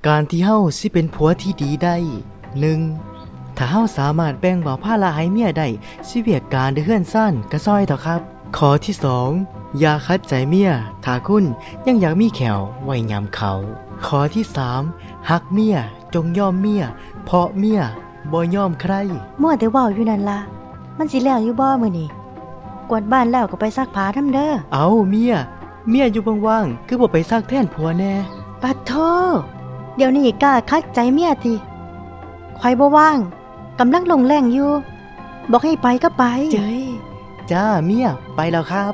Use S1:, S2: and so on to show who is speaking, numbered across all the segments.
S1: การที่เฮาสิเป็นผัวที่ดีได้ 1. ถ้าเฮาสามารถแบ่งเบาภาระให้เมียได้สิเวียกการได้เฮือนซ่านก็ซอยเถอะครับข้อที่ 2. อย่าขัดใจเมียถ้าคุณยังอยากมีแขวไว้ยามเขาข้อที่ 3. ฮักเมียจงยอมเมียเพราะเมียบ่ยอมใคร
S2: มั่วแต่เว้าอยู่นั่นล่ะมันสิแล้วอยู่บ่มื้อนี้กวาดบ้านแล้วก็ไปซักผ้าทำเด้อ
S1: เอาเมียอยู่ว่างๆคือบ่ไปซักแทนผัวแน่
S2: ปัดโทเดี๋ยวนี้กล้าคัดใจเมียติข่อยบ่ว่างกำลังลงแรงอยู่บอกให้ไปก็ไป
S1: เจ้ยจ้าเมียไปแล้วครับ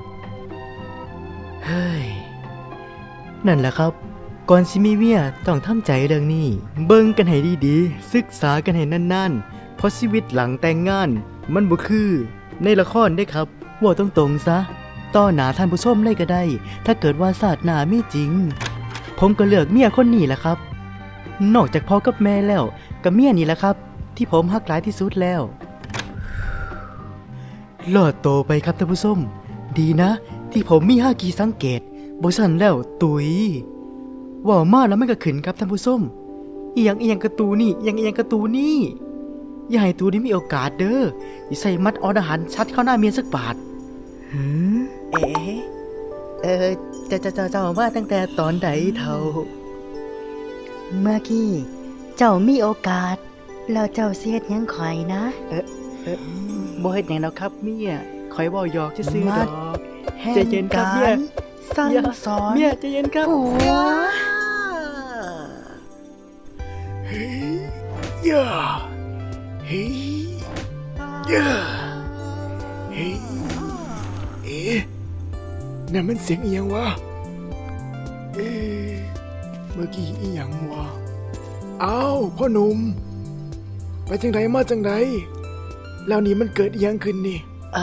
S1: เฮ้ยนั่นแหละครับก่อนสิมีเมียต้องทำใจเรื่องนี้เบิ่งกันให้ดีๆศึกษากันให้นานๆเพราะชีวิตหลังแต่งงานมันบ่คือในละครได้ครับว่าตรงๆซะต่อหน้าท่านผู้ชมเลยก็ได้ถ้าเกิดว่าศาสตร์หน้ามีจริงผมก็เลือกเมียคนนี้แหละครับนอกจากพ่อกับแม่แล้วก็เมียนี่แหละครับที่ผมฮักหลายที่สุดแล้วรอดโตไปครับท่านผู้ชมดีนะที่ผมมี5กีสังเกตบ่ซั่นแล้วตุยว่ามาแล้วมันก็ขึ้นครับท่านผู้ชมอีหยังกระตูนี่อีหยังกระตูนี่อย่าให้ตูนี้มีโอกาสเด้ออย่าใส่มัดออดอาหารชัดเข้าหน้าเมียสักบาทเจ้ามาตั้งแต่ตอนใดเท่า
S2: เมื่อกี้เจ้ามีโอกาสแล้วเจ้าเสียดยังข่อยนะ
S1: บ่เฮ็ดหยังแล้วครับเมียข่อยเว้าหยอกซื่อๆดอกใจเย็นครับเมีย
S2: สั่งสอน
S1: เมียใจเย็นครับ
S2: ผัว
S3: เฮ้ยย่าเฮ้ยย่าเฮ้ยนั่นมันเสียงอีหยังวะเมื่อกี้อีหยังวะอ้าวพ่อหนุ่มไปจังไดมาจังไดแล้วนี่มันเกิดอีหยังขึ้นนี่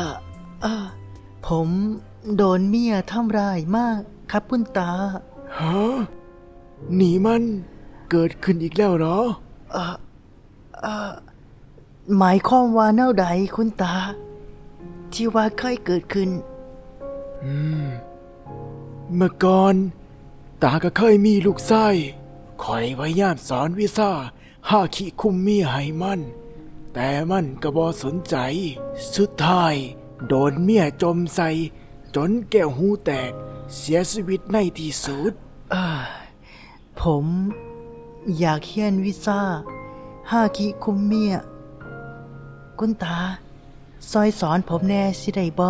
S1: ผมโดนเมียทำร้ายมากครับคุณตา
S3: ฮะนี่มันเกิดขึ้นอีกแล้วเหรอ
S1: หมายความว่าแนวใดคุณตาที่ว่าเคยเกิดขึ้น
S3: เมื่อก่อนตาก็เคยมีลูกชายคอยพยายามสอนวิชาฮาคิคุมเมียให้มันแต่มันก็บ่สนใจสุดท้ายโดนเมียจมใส่จนแก้วหูแตกเสียชีวิตในที่สุด
S1: ผมอยากเรียนวิชาฮาคิคุมเมียคุณตาซอยสอนผมแน่สิได้บ่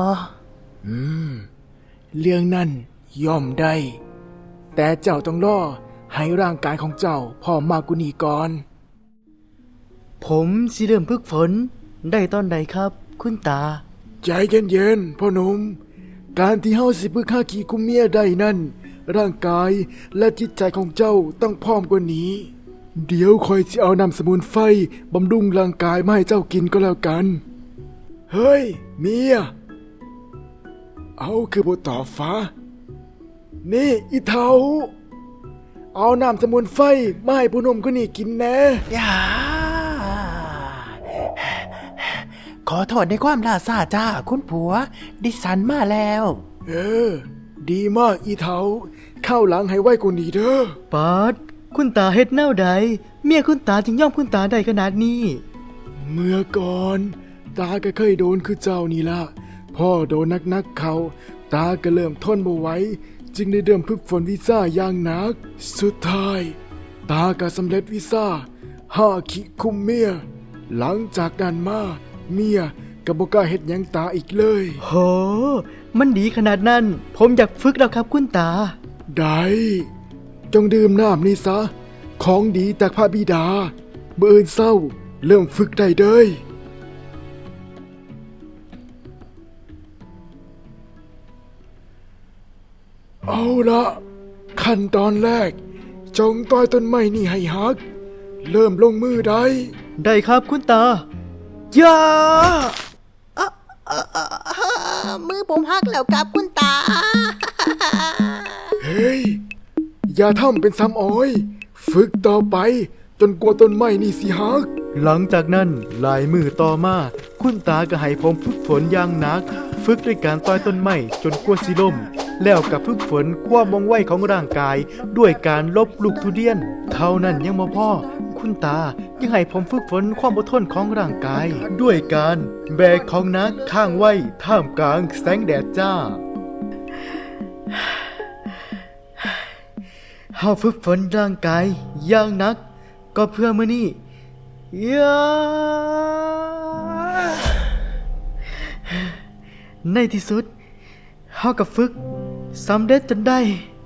S3: เรื่องนั้นย่อมได้แต่เจ้าต้องรอให้ร่างกายของเจ้าพร้อมมากกว่านี้ก่อน
S1: ผมสิเริ่มฝึกฝนได้ตอนใดครับคุณตา
S3: ใจเย็นๆพ่อหนุ่มการที่เฮาสิฝึกฮาคิคุมเมียได้นั้นร่างกายและจิตใจของเจ้าต้องพร้อมกว่านี้เดี๋ยวคอยสิเอาน้ำสมุนไพรบำรุงร่างกายมาให้เจ้ากินก็แล้วกันเฮ้ยเมียเอาคือบ่ตอบฟ้านี่อีเฒ่าเอาน้ำสมุนไพรมาให้ผู้หนุ่มคนนี้กินแน่
S1: อย่าขอโทษในความล่าช้าจ้าคุณผัวดิฉันมาแล้ว
S3: ดีมากอีเฒ่าเข้าหลังให้ไว้กว่านี้เด้อ
S1: ปาดคุณตาเฮ็ดแนวใดเมียคุณตาจึงยอมคุณตาได้ขนาดนี้
S3: เมื่อก่อนตาก็เคยโดนคือเจ้านี่ล่ะพ่อโดนนักเขาตาก็เริ่มทนบ่ไหวจึงได้เริ่มฝึกฝนวิชาอย่างหนักสุดท้ายตาก็สำเร็จวิชาฮาคิคุมเมียหลังจากนั้นมาเมียก็บ่กล้าเฮ็ดหยังตาอีกเลย
S1: โหมันดีขนาดนั้นผมอยากฝึกแล้วครับคุณตา
S3: ได้จงดื่มน้ำนี่ซะของดีจากพระบิดาเมื่อเช้าเริ่มฝึกได้เด้ยเอาละขั้นตอนแรกจงต้อยต้นไม้นี่ให้หักเริ่มลงมือได้
S1: ครับคุณตาอย่า
S2: มือผมหักแล้วครับคุณตา
S3: เฮ้ยอย่าทำเป็นซ้ำอ้อยฝึกต่อไปจนกว่าต้นไม้นี่สิหัก
S1: หลังจากนั้นหลายมือต่อมาคุณตาก็ให้ผมฝึกฝนอย่างหนักฝึกด้วยการต้อยต้นไม้จนกว่าสิล่มแล้วกับฝึกฝนความว่องไวของร่างกายด้วยการลบลูกทุเรียน เท่านั้นยังบ่พอคุณตายังให้ผมฝึกฝนความอดทนของร่างกาย ด้วยการแบกของหนักข้างไว้ท่ามกลางแสงแดดจ้า เฮาฝึกฝนร่างกายอย่างหนัก ก็เพื่อมื้อนี้ในที่สุดเฮาก็ฝึกสำเร็จจนได้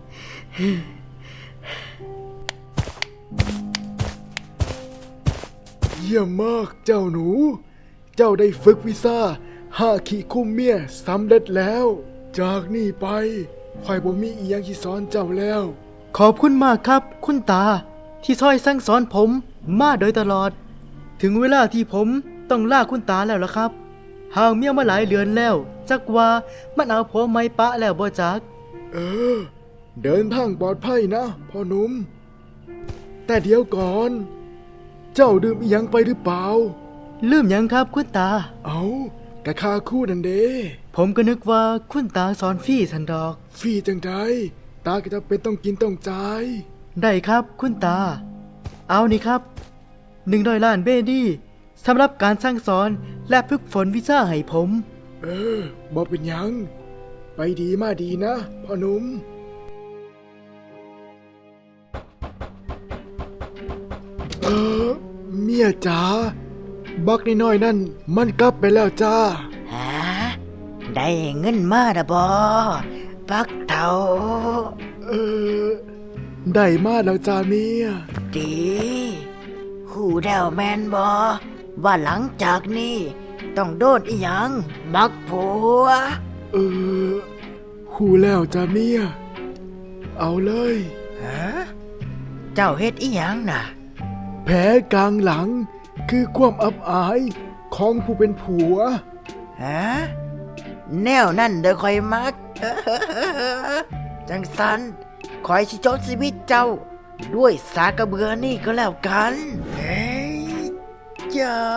S3: เยี่ยมมากเจ้าหนู เจ้าได้ฝึกวิชาฮาคิคุมเมียสำเร็จแล้ว จากนี้ไปข่อยบ่มีอีหยังที่สอนเจ้าแล้ว
S1: ขอบคุณมากครับคุณตาที่ช่วยสั่งสอนผมมาโดยตลอด ถึงเวลาที่ผมต้องลาคุณตาแล้วล่ะครับห่างเมียมาหลายเดือนแล้วจักว่ามันเอาผัวไม่ปะแล้วบ่จัก
S3: เออ เดินทางปลอดภัยนะพ่อหนุ่ม แต่เดี๋ยวก่อน เจ้าดื่มอีหยังไปหรือเปล่า
S1: ลืมหยังครับคุณตา
S3: เอากะคาคู่นั่นเด้
S1: ผมก็นึกว่าคุณตาสอนฟรี่สันดอก
S3: ฟรีจังไดตาก็จะเป็นต้องกินต้องจ่าย
S1: ได้ครับคุณตา เอานี่ครับ100 ล้านเบดี้สำหรับการสร้างสอนและฝึกฝนวิชาให้ผม
S3: เออบ่เป็นหยัง ไปดีมาดีนะพ่อหนุ่ม เออ เมียจ๋าบักน้อยๆนั่นมันกลับไปแล้วจ้า
S4: ฮะได้เงินมาดะบอปักเต่า
S3: เออ ได้มาแล้วจ้าเมีย
S4: ดีหูแดวแมนบอว่าหลังจากนี้ต้องโดนอีหยังมักผัว
S3: เออ หูแล้วจ้าเมีย เอาเลย
S4: ฮะเจ้าเฮ็ดอีหยังน่ะ
S3: แผลกลางหลังคือความอับอายของผู้เป็นผัว
S4: ฮะแนวนั่นเด้อคอยมัก จังสันคอยสิจบชีวิตเจ้า ด้วยสากระเบือนี่ก็แล้วกันเฮ้ยจ้า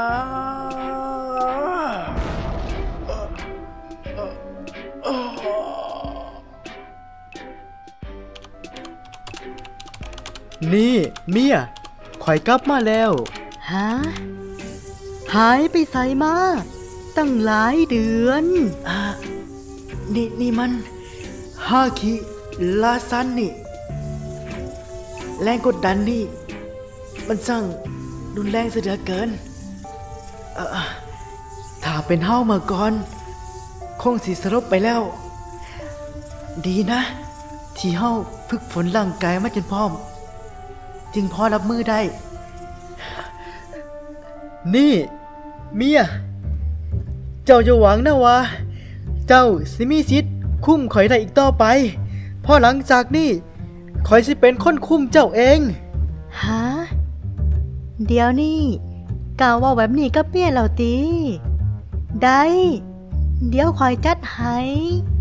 S1: นี่เมียข่อยกลับมาแล้ว
S2: ฮะ หายไปไสมาตั้งหลายเดือน
S4: นี่มันฮาคิลาซันนี่ แรงกดดันนี่ มันสั่งรุนแรงเสียเหลือเกิน ถ้าเป็นเฮามาก่อน คงสิสลบไปแล้ว ดีนะ ที่เฮาฝึกฝนร่างกายมาจนพร้อม จึงพอรับมือได้
S1: นี่เมียเจ้าจะหวังนะวะเจ้าสิมีสิทธิ์คุมข่อยได้อีกต่อไปเพราะหลังจากนี้ข่อยสิเป็นคนคุมเจ้าเอง
S2: ฮะ เดี๋ยวนี่กล่าวว่าแบบนี้ก็เปลี่ยนแล้วตี ได้ เดี๋ยวคอยจัดให้